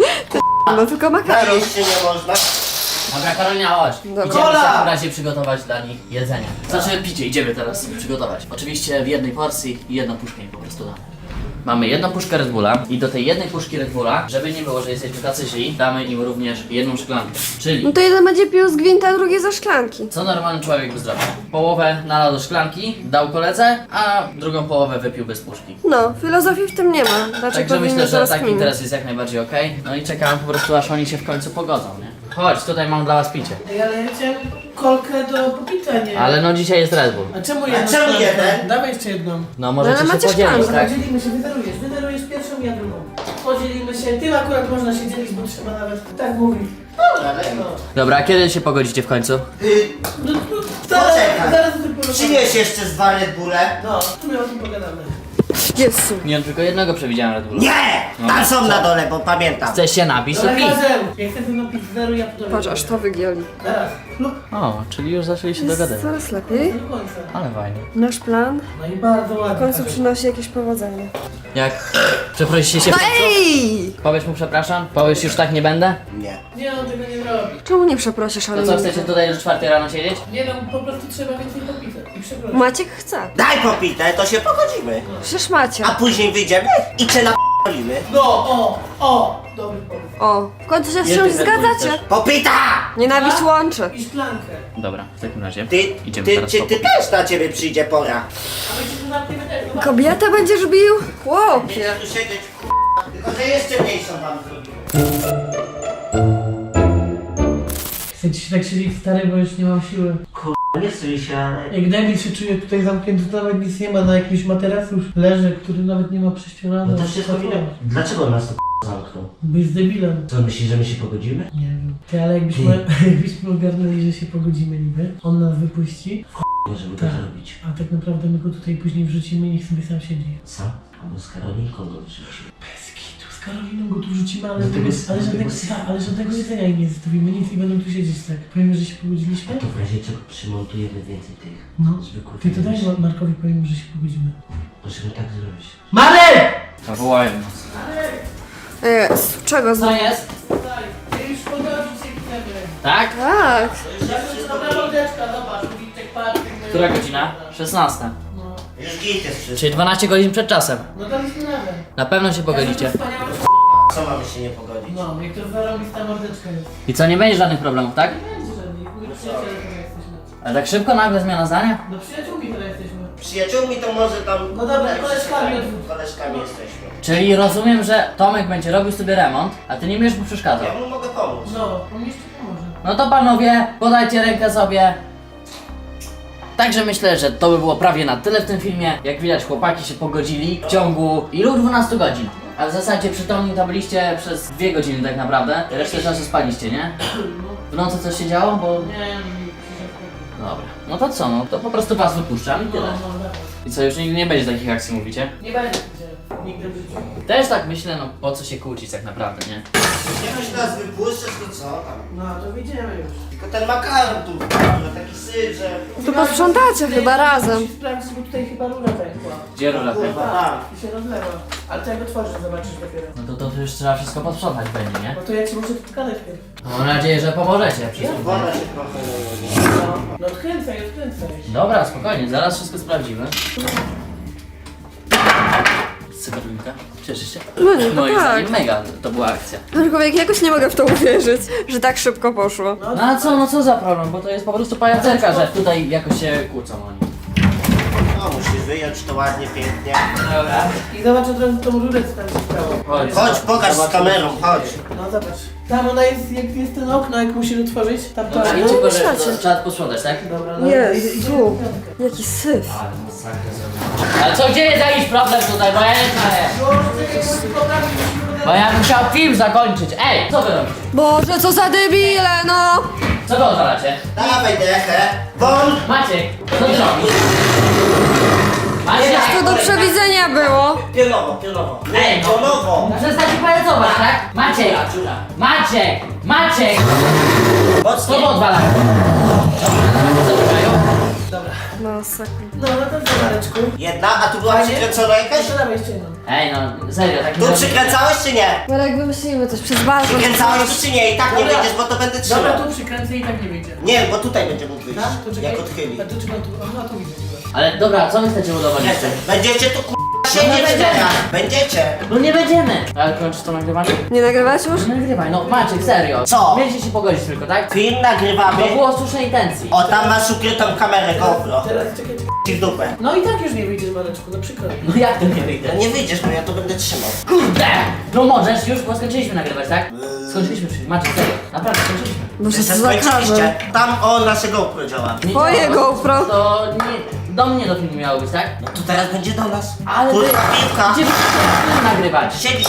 Speaker 4: No tylko makaron.
Speaker 3: Najeść się nie można.
Speaker 1: Dobra, Karolina, chodź.
Speaker 4: Dobra.
Speaker 1: Idziemy w
Speaker 2: Kola.
Speaker 1: takim razie przygotować dla nich jedzenie. Znaczy picie, idziemy teraz przygotować. Oczywiście w jednej porcji i jedną puszkę im po prostu damy. Mamy jedną puszkę Red Bulla i do tej jednej puszki Red Bulla, żeby nie było, że jesteśmy tacy źli, damy im również jedną szklankę.
Speaker 4: No
Speaker 1: Czyli,
Speaker 4: to jeden będzie pił z gwinta, a drugi ze szklanki.
Speaker 1: co normalny człowiek by zrobił? Połowę nalał do szklanki, dał koledze, a drugą połowę wypił bez puszki.
Speaker 4: No, filozofii w tym nie ma. Znaczy
Speaker 1: Także
Speaker 4: powinny
Speaker 1: myślę, że
Speaker 4: teraz
Speaker 1: taki
Speaker 4: kminić.
Speaker 1: interes jest jak najbardziej okej. No i czekamy po prostu, aż oni się w końcu pogodzą, nie? Chodź, tutaj mam dla was picie.
Speaker 2: Ej, ale ja chciałem kolkę do popita, nie?
Speaker 1: Ale no dzisiaj jest Red Bull.
Speaker 2: A czemu
Speaker 3: A
Speaker 2: jedną
Speaker 3: czemu
Speaker 2: szklankę?
Speaker 3: jeden?
Speaker 2: Dawaj jeszcze jedną.
Speaker 1: No możecie
Speaker 4: ale
Speaker 1: się
Speaker 4: macie
Speaker 1: podzielić,
Speaker 4: szklankę.
Speaker 1: tak?
Speaker 2: Podzielimy się, wydarujesz pierwszą, ja drugą. Podzielimy się, tym akurat można się dzielić, bo trzeba nawet tak mówić. No.
Speaker 1: Dobra, a kiedy się pogodzicie w końcu?
Speaker 2: No,
Speaker 3: Poczekaj.
Speaker 2: zaraz o tym porozmawiamy.
Speaker 3: Przynieś jeszcze z dwa Red Bulle.
Speaker 2: No, tu my o tym pogadamy.
Speaker 4: Jezu.
Speaker 1: Nie, tylko jednego przewidziałem Red Bulla.
Speaker 3: Nie! Tam są na dole, bo pamiętam.
Speaker 1: Chcesz się napić, to
Speaker 2: Dobra,
Speaker 1: pij.
Speaker 2: Kazel, jak chcesz ze mną pić zeru, ja podaję.
Speaker 4: Patrz, aż to wygięli.
Speaker 2: Zaraz. Lub
Speaker 1: O, czyli już zaczęli się
Speaker 4: Jest
Speaker 1: dogadywać.
Speaker 4: coraz lepiej.
Speaker 2: do końca.
Speaker 1: Ale fajnie.
Speaker 4: Nasz plan
Speaker 2: No i bardzo ładnie.
Speaker 4: w końcu
Speaker 2: Kazel.
Speaker 4: przynosi jakieś powodzenie.
Speaker 1: Jak? Przeprosicie się w
Speaker 4: No
Speaker 1: końcu?
Speaker 4: ej!
Speaker 1: Powiesz mu przepraszam? Powiesz już tak nie będę?
Speaker 3: Nie.
Speaker 2: Nie, on tego nie robi.
Speaker 4: Czemu nie przeprosisz,
Speaker 1: To
Speaker 4: ale
Speaker 1: co, chcecie tutaj do 4 rano siedzieć?
Speaker 2: Nie no, po prostu trzeba więcej popita. I przepraszam.
Speaker 4: Maciek chce.
Speaker 3: Daj popite, to się pogodzimy.
Speaker 4: Przecież macie.
Speaker 3: A później wyjdziemy i cię napolimy.
Speaker 2: No, o, dobry pomysł.
Speaker 4: O, w końcu się z
Speaker 1: Jest
Speaker 4: czymś
Speaker 1: Red Bull
Speaker 4: zgadzacie.
Speaker 1: też.
Speaker 3: Popita!
Speaker 4: Nienawiść łączy.
Speaker 2: I szklankę.
Speaker 1: Dobra, w takim razie
Speaker 3: Ty,
Speaker 1: idziemy
Speaker 3: ty,
Speaker 1: teraz
Speaker 3: ty,
Speaker 1: po
Speaker 3: ty też na ciebie przyjdzie pora.
Speaker 2: A my się tu zamkniemy też. No,
Speaker 4: Kobietę będziesz bił? Chłopie.
Speaker 3: Będziesz tu siedzieć, tylko że jeszcze mniejszą wam zrobię.
Speaker 2: Chcę ci się tak siedzieć stary, bo już nie mam siły.
Speaker 3: Nie stój się, ale...
Speaker 2: Jak debil się czuję tutaj zamknięty, to nawet nic nie ma, na jakimś materacu już leży, który nawet nie ma prześcierane.
Speaker 3: No to się powinno... Dlaczego nas to zamknął?
Speaker 2: Bo jest debilem.
Speaker 3: Co, myślisz, że my się pogodzimy?
Speaker 2: Nie wiem. Ty, ale jakbyśmy ogarnęli, że się pogodzimy niby, on nas wypuści,
Speaker 3: Możemy to
Speaker 2: Tak.
Speaker 3: zrobić.
Speaker 2: a tak naprawdę my go tutaj później wrzucimy i niech sobie sam siedzi.
Speaker 3: Sam? Albo z Karolinką go wrzucimy.
Speaker 2: Bez kitu, z Karoliną go tu wrzucimy, ale,
Speaker 3: Do tego-
Speaker 2: ale,
Speaker 3: do
Speaker 2: żadnego,
Speaker 3: tego-
Speaker 2: tak, ale żadnego jedzenia im nie zostawimy, nic i będą tu siedzieć tak. Powiemy, że się pogodziliśmy?
Speaker 3: To w razie czego przymontujemy więcej tych
Speaker 2: No.
Speaker 3: zwykłych...
Speaker 2: Ty to daj Markowi, powiemy, że się pogodzimy.
Speaker 3: Możemy tak zrobić.
Speaker 1: Marek! Zawołałem nas.
Speaker 4: Jest. Czego
Speaker 1: Co
Speaker 4: znowu?
Speaker 1: jest?
Speaker 2: Tak, ty już pogodzić się chcemy.
Speaker 1: Tak?
Speaker 4: Tak.
Speaker 2: Dobra mordeczka, zobacz, Witek, patrz.
Speaker 1: Która godzina? 16.
Speaker 2: No,
Speaker 3: Już git jest wszystko.
Speaker 1: Czyli 12 godzin przed czasem.
Speaker 2: no daliśmy radę.
Speaker 1: Na pewno się pogodzicie.
Speaker 3: Co mamy się nie pogodzić?
Speaker 2: No, jak to zarobista mordeczka jest.
Speaker 1: I co, nie będzie żadnych problemów, tak?
Speaker 2: Nie będzie żadnych, my przyjaciele teraz jesteśmy.
Speaker 1: Ale tak szybko nagle zmiana zdania?
Speaker 2: No przyjaciółmi teraz jesteśmy.
Speaker 3: Przyjaciółmi to może tam...
Speaker 2: No dobra, koleżkami odwróć.
Speaker 3: Koleżkami jesteśmy.
Speaker 1: Czyli rozumiem, że Tomek będzie robił sobie remont, a ty nie będziesz mu przeszkadzał.
Speaker 3: Ja mu mogę pomóc.
Speaker 2: No, on jeszcze pomoże.
Speaker 1: No to panowie, podajcie rękę sobie. Także myślę, że to by było prawie na tyle w tym filmie. Jak widać, chłopaki się pogodzili w ciągu ilu? 12 godzin. A w zasadzie przytomni to byliście przez 2 godziny tak naprawdę. Resztę czasu spaliście, nie? W nocy coś się działo, bo...
Speaker 2: Nie, nie,
Speaker 1: Dobra. No to co, no to po prostu was wypuszczam i
Speaker 2: no,
Speaker 1: tyle.
Speaker 2: no,
Speaker 1: I co, już nigdy nie będzie takich akcji, mówicie?
Speaker 2: nie będzie gdzie, nigdy w życiu.
Speaker 1: Też tak myślę, no po co się kłócić tak naprawdę, nie?
Speaker 3: Jak nas wypuszczasz, to co tam?
Speaker 2: No, to wyjdziemy już.
Speaker 3: Tylko ten makaron tu wpadł, taki syf, że...
Speaker 4: To posprzątacie chyba razem.
Speaker 2: Musisz sprawdzić, bo tutaj chyba rura pękła.
Speaker 1: Gdzie rura
Speaker 3: Kurwa,
Speaker 1: pękła?
Speaker 3: tam.
Speaker 2: I się rozlewa. Ale to jak otworzysz, zobaczysz dopiero.
Speaker 1: No to już trzeba wszystko posprzątać będzie, nie?
Speaker 2: No to ja ci muszę tu pokazać pierw.
Speaker 1: No, mam nadzieję, że pomożecie przy tym.
Speaker 3: Woda się trochę leje.
Speaker 2: No odkręcaj, odkręcaj.
Speaker 1: Dobra, spokojnie, zaraz wszystko sprawdzimy. Cyberlinka, cieszysz się?
Speaker 4: No nie,
Speaker 1: Moim
Speaker 4: tak.
Speaker 1: zdaniem mega to była akcja.
Speaker 4: Aczkolwiek jakoś nie mogę w to uwierzyć, że tak szybko poszło.
Speaker 1: No a co, no co za problem, bo to jest po prostu pajacerka, że tutaj jakoś się kłócą oni.
Speaker 3: No, musisz wyjąć to ładnie, pięknie.
Speaker 1: Dobra.
Speaker 2: I zobacz od razu tą rurę, co tam się stało.
Speaker 1: Chodź.
Speaker 3: Chodź, pokaż z kamerą, chodź.
Speaker 2: No zobacz. Tam ona jest, jak jest ten okno, jak musisz otworzyć, tam to...
Speaker 1: Dobra,
Speaker 4: No,
Speaker 1: idźcie, bo że
Speaker 4: myślacie.
Speaker 1: to trzeba posprzątać, tak?
Speaker 2: Dobra, no
Speaker 4: Jezu, jaki syf.
Speaker 1: Ale masakra zrobiła. Ale co, gdzie jest jakiś problem tutaj, bo ja nie znaję. Bo ja bym chciał film zakończyć. Ej, co wy robicie?
Speaker 4: Boże, co za debile, no!
Speaker 1: Co wy odwalacie?
Speaker 3: Dawaj dechę. Won!
Speaker 1: Maciek, co ty robisz? Maciek!
Speaker 4: To do przewidzenia było.
Speaker 3: Pionowo, pionowo.
Speaker 1: Ej, no.
Speaker 3: Pionowo.
Speaker 1: Przestańcie pajacować, tak? Maciek! Maciek! Maciek! Co
Speaker 3: Mocniej.
Speaker 1: wy odwalacie?
Speaker 4: No, sekund.
Speaker 2: No, no to w zareczku.
Speaker 3: Jedna, a tu była przykręcona jakaś?
Speaker 2: Jeszcze dawaj jeszcze jedną.
Speaker 1: Ej, no serio, tak nie
Speaker 3: Tu
Speaker 1: robię.
Speaker 3: przykręcałeś czy nie?
Speaker 4: Marek, wymyślimy coś przez balkon.
Speaker 3: Przykręcałeś tu czy nie? I tak nie
Speaker 2: Dobra.
Speaker 3: wyjdziesz, bo to będę
Speaker 2: Dobra,
Speaker 3: trzymał.
Speaker 2: tu przykręcę i tak nie wyjdzie.
Speaker 3: Nie, bo tutaj będzie mógł wyjść.
Speaker 2: Tak? To czekaj.
Speaker 3: Jak odchyli.
Speaker 2: A to czekaj, tu, aha, tu widzę.
Speaker 1: Ale dobra, co wy chcecie udowodnić?
Speaker 3: Jestem. Będziecie tu siedzieć
Speaker 1: będziemy.
Speaker 3: teraz. Będziecie.
Speaker 1: No nie będziemy! Ale kończysz to nagrywanie?
Speaker 4: Nie nagrywać już?
Speaker 1: No nagrywaj, no Maciek, serio.
Speaker 3: Co?
Speaker 1: Mieliście się pogodzić tylko, tak?
Speaker 3: Film nagrywamy.
Speaker 1: To było słusznej intencji.
Speaker 3: O, tam masz ukrytą kamerę GoPro.
Speaker 2: Teraz czekaj.
Speaker 3: Ci w dupę.
Speaker 2: No i tak już nie wyjdziesz, Mareczku, no przykro mi.
Speaker 1: No jak to nie wyjdę?
Speaker 3: No nie wyjdziesz, bo ja to będę trzymał.
Speaker 1: Kurde! No możesz już, bo skończyliśmy nagrywać, tak? Skończyliśmy już. Maciek, serio. Naprawdę, skończyliśmy.
Speaker 4: Boże,
Speaker 3: Jeszcze
Speaker 4: co za karze.
Speaker 3: skończyliście. Tam o nasze GoPro działa.
Speaker 1: Nie
Speaker 4: Twoje
Speaker 1: działa.
Speaker 4: GoPro.
Speaker 1: To nie, do mnie do filmu miało być, tak?
Speaker 3: No to teraz będzie do nas.
Speaker 1: Ale wy...
Speaker 3: Kurwa, piłka.
Speaker 1: Gdzie wy chcecie film nagrywać?
Speaker 3: Siedzisz.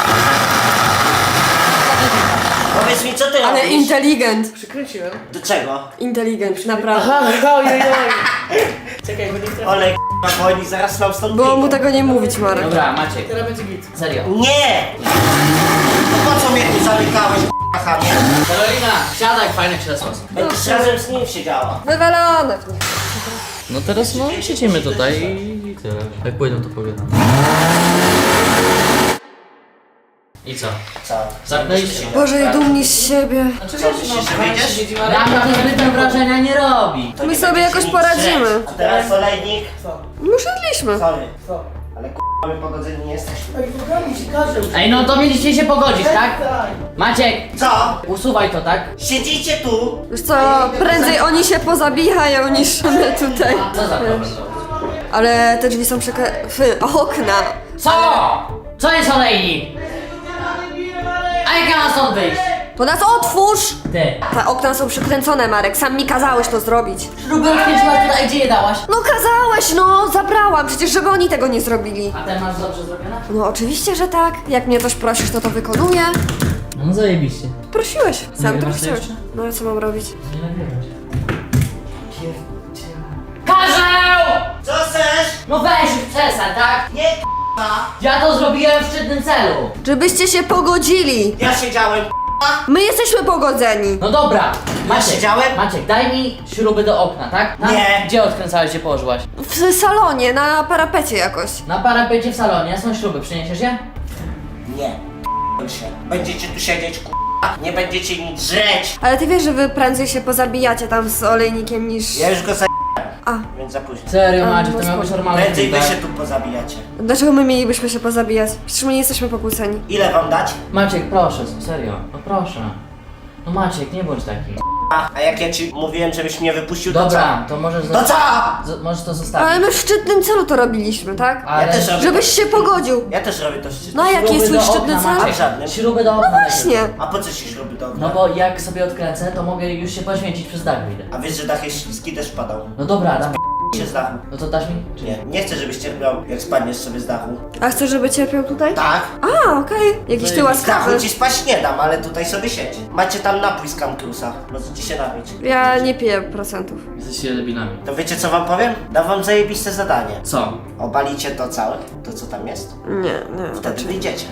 Speaker 3: Powiedz mi, co ty
Speaker 4: Ale
Speaker 3: robisz?
Speaker 4: inteligent.
Speaker 2: Przykręciłem.
Speaker 3: Do czego?
Speaker 4: Inteligent, naprawdę.
Speaker 2: Aha, ojej. Czekaj, bo nie chcę.
Speaker 3: Olej, k***a, bo oni zaraz nam stąd
Speaker 4: Było mu
Speaker 3: wyjdą.
Speaker 4: tego nie mówić, Marek.
Speaker 1: Dobra, Maciek,
Speaker 2: Teraz będzie git.
Speaker 1: serio.
Speaker 3: Nie! No po co mnie tu zamykałeś, k***a, chamie?
Speaker 1: Karolina, siadaj, fajne krzesło.
Speaker 3: Będziesz razem z nim siedziała.
Speaker 4: Wywalone.
Speaker 1: No teraz no siedzimy tutaj i tyle. Jak pójdą to powiedzą. I co?
Speaker 3: Co?
Speaker 1: Zamknęliście?
Speaker 4: Boże, i dumni z siebie.
Speaker 3: Co, myślisz, że wyjdziesz?
Speaker 1: Rana to zbytnio wrażenia nie robi.
Speaker 3: To
Speaker 4: My
Speaker 3: nie
Speaker 4: sobie
Speaker 3: będziecie
Speaker 4: jakoś
Speaker 3: nic
Speaker 4: poradzimy.
Speaker 3: śledzić. A teraz olejnik.
Speaker 2: Co?
Speaker 4: My szedliśmy.
Speaker 3: Sorry,
Speaker 2: Co?
Speaker 3: ale k***a, my pogodzeni nie jesteśmy.
Speaker 2: Ej, programu ci każę.
Speaker 1: Ej, no to mieliście się pogodzić, tak?
Speaker 2: Tak.
Speaker 1: Maciek,
Speaker 3: Co?
Speaker 1: usuwaj to, tak?
Speaker 3: Siedzicie tu?
Speaker 4: Wiesz co, prędzej oni się pozabijają niż my tutaj.
Speaker 1: Co za problem?
Speaker 4: Ale te drzwi są okna.
Speaker 1: Co? Co jest olejnik? A jak ja mam stąd wyjść?
Speaker 4: To nas otwórz!
Speaker 1: Ty.
Speaker 4: Te okna są przykręcone, Marek, sam mi kazałeś to zrobić.
Speaker 1: Śruby odkręciłaś tutaj, gdzie je dałaś?
Speaker 4: No kazałeś, no, zabrałam, przecież żeby oni tego nie zrobili.
Speaker 1: A ten masz dobrze zrobione?
Speaker 4: No oczywiście, że tak. Jak mnie coś prosisz, to wykonuję.
Speaker 1: No zajebiście.
Speaker 4: Prosiłeś, sam to
Speaker 1: Nagrywasz to
Speaker 4: chciałeś.
Speaker 1: jeszcze?
Speaker 4: No a co mam robić?
Speaker 1: Nie nagrywać. Karzeł!
Speaker 3: Co chcesz?
Speaker 1: No weź już przestań, tak?
Speaker 3: Nie k***a.
Speaker 1: Ja to zrobiłem w szczytnym celu.
Speaker 4: Żebyście się pogodzili.
Speaker 3: Ja siedziałem
Speaker 4: My jesteśmy pogodzeni.
Speaker 1: No dobra, Maciek,
Speaker 3: siedziałem?
Speaker 1: Maciek, daj mi śruby do okna, tak?
Speaker 3: Nie.
Speaker 1: Gdzie odkręcałeś, gdzie położyłaś?
Speaker 4: W salonie, na parapecie jakoś.
Speaker 1: Na parapecie w salonie, są śruby, przyniesiesz je?
Speaker 3: Nie. Się. Będziecie tu siedzieć k***a. Nie będziecie nic drzeć.
Speaker 4: Ale ty wiesz, że wy prędzej się pozabijacie tam z olejnikiem niż...
Speaker 3: Ja już go za...
Speaker 4: A,
Speaker 3: Więc za późno.
Speaker 1: Serio,
Speaker 4: A,
Speaker 1: Maciek,
Speaker 4: no
Speaker 1: to miał być
Speaker 4: spoko.
Speaker 1: normalny
Speaker 3: Prędzej wy
Speaker 1: feedback.
Speaker 3: się tu pozabijacie.
Speaker 4: dlaczego my mielibyśmy się pozabijać? Przecież my nie jesteśmy pokłóceni.
Speaker 3: Ile wam dać?
Speaker 1: Maciek, proszę, serio, no proszę. No Maciek, nie bądź taki.
Speaker 3: A jak ja ci mówiłem, żebyś mnie wypuścił, to
Speaker 1: Dobra, to możesz
Speaker 3: co? To co?
Speaker 1: możesz to
Speaker 4: Ale
Speaker 1: zostawić.
Speaker 4: my w szczytnym celu to robiliśmy, tak?
Speaker 1: Ale
Speaker 3: Ja też robię.
Speaker 4: Żebyś się pogodził.
Speaker 3: Ja też robię to szczyt.
Speaker 4: No a jaki jest
Speaker 1: Śruby
Speaker 4: twój
Speaker 1: do
Speaker 4: szczytny
Speaker 1: okna,
Speaker 4: cel?
Speaker 3: A w
Speaker 1: Maciek.
Speaker 3: żadnym.
Speaker 1: Śruby do okna.
Speaker 4: Właśnie.
Speaker 3: A po co ci śruby do okna?
Speaker 1: No bo jak sobie odkręcę, to mogę już się poświęcić przez dach wyjdę.
Speaker 3: A wiesz, że dach jest śliski, też padał.
Speaker 1: No dobra, dam.
Speaker 3: Się z dachu.
Speaker 1: No to dasz mi? Czy
Speaker 3: Nie, nie chcę, żebyś cierpiał, jak spadniesz sobie z dachu.
Speaker 4: A chcesz, żeby cierpiał tutaj?
Speaker 3: Tak?
Speaker 4: A, okej. Jakiś ty
Speaker 3: Z dachu
Speaker 4: łaskawy.
Speaker 3: ci spać nie dam, ale tutaj sobie siedzi. Macie tam napój z Camcrusa. Możecie się napić.
Speaker 4: Ja nie piję procentów.
Speaker 1: Jesteście debilami.
Speaker 3: To wiecie co wam powiem? Dam wam zajebiste zadanie.
Speaker 1: Co?
Speaker 3: Obalicie to całe, to co tam jest.
Speaker 4: Nie,
Speaker 3: Wtedy wyjdziecie.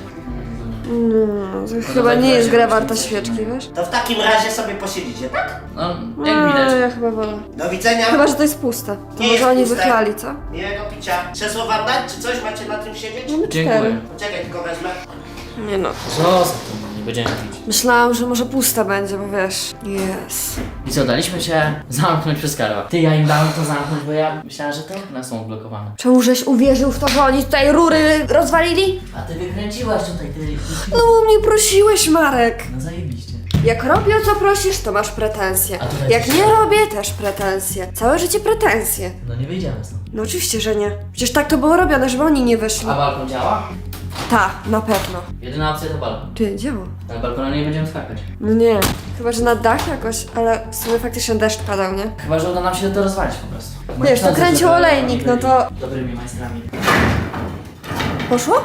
Speaker 4: No, to chyba nie jest gra warta świeczki, wiesz?
Speaker 3: To w takim razie sobie posiedzicie, tak?
Speaker 1: No, jak widać.
Speaker 4: Ja chyba wolę.
Speaker 3: Do widzenia.
Speaker 4: Chyba, że to jest puste. To
Speaker 3: Nie jest
Speaker 4: może oni
Speaker 3: puste.
Speaker 4: wychlali, co?
Speaker 3: Miłego picia. Krzesło wam dać, czy coś? Macie na tym siedzieć?
Speaker 4: Mamy
Speaker 1: Dziękuję.
Speaker 4: 4.
Speaker 3: Czekaj, tylko wezmę.
Speaker 4: Nie no.
Speaker 1: Zostaw to, nie będziemy pić.
Speaker 4: Myślałam, że może pusta będzie, bo wiesz. Jest.
Speaker 1: I co, daliśmy się zamknąć przez Karła. Ty, ja im dałem to zamknąć, bo ja myślałem, że te okna są odblokowane.
Speaker 4: Czemu żeś uwierzył w to, że oni tutaj rury rozwalili?
Speaker 1: A ty wykręciłaś tutaj, ty...
Speaker 4: No bo mnie prosiłeś, Marek.
Speaker 1: No zajebiście.
Speaker 4: Jak robię o co prosisz, to masz pretensje.
Speaker 1: A tutaj
Speaker 4: Jak
Speaker 1: coś-
Speaker 4: nie robię, też pretensje. Całe życie pretensje.
Speaker 1: No nie wyjdziemy stąd.
Speaker 4: No oczywiście, że nie. Przecież tak to było robione, żeby oni nie wyszli.
Speaker 1: A balkon działa?
Speaker 4: Ta, na pewno.
Speaker 1: Jedyna opcja to balkon.
Speaker 4: Ty, działa.
Speaker 1: Na balkonie nie będziemy skakać.
Speaker 4: No nie. Chyba, że na dach jakoś, ale w sumie faktycznie deszcz padał, nie?
Speaker 1: Chyba, że uda nam się to rozwalić po prostu.
Speaker 4: Wiesz, to
Speaker 1: Moi
Speaker 4: kręcił
Speaker 1: żeby
Speaker 4: olejnik,
Speaker 1: oni
Speaker 4: no to-
Speaker 1: byli dobrymi majstrami.
Speaker 4: Poszło?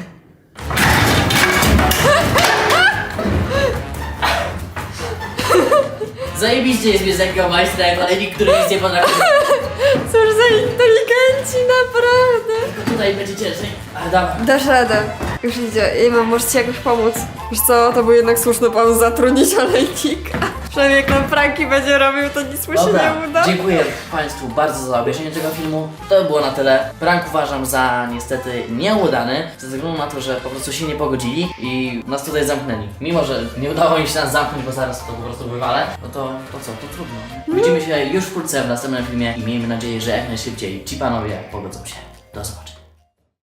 Speaker 1: Zajebiście jest mieć takiego majstra jak olejnik, który nic nie potrafi.
Speaker 4: Cóż za inteligenci, naprawdę.
Speaker 1: Tutaj będzie ciężej. Ale dawaj.
Speaker 4: Dasz radę. Już idzie. Ej, mam, może ci jakoś pomóc. Wiesz co, to był jednak słuszny pomysł zatrudnić olejnika. Przynajmniej jak nam pranki będzie robił, to nic mu się nie uda.
Speaker 1: Dziękuję Państwu bardzo za obejrzenie tego filmu. To było na tyle. Prank uważam za niestety nieudany, ze względu na to, że po prostu się nie pogodzili i nas tutaj zamknęli. Mimo, że nie udało im się nas zamknąć, bo zaraz to po prostu wywalę, no to co, to trudno. Widzimy się już wkrótce w następnym filmie i miejmy nadzieję, że jak najszybciej ci panowie pogodzą się. Do zobaczenia.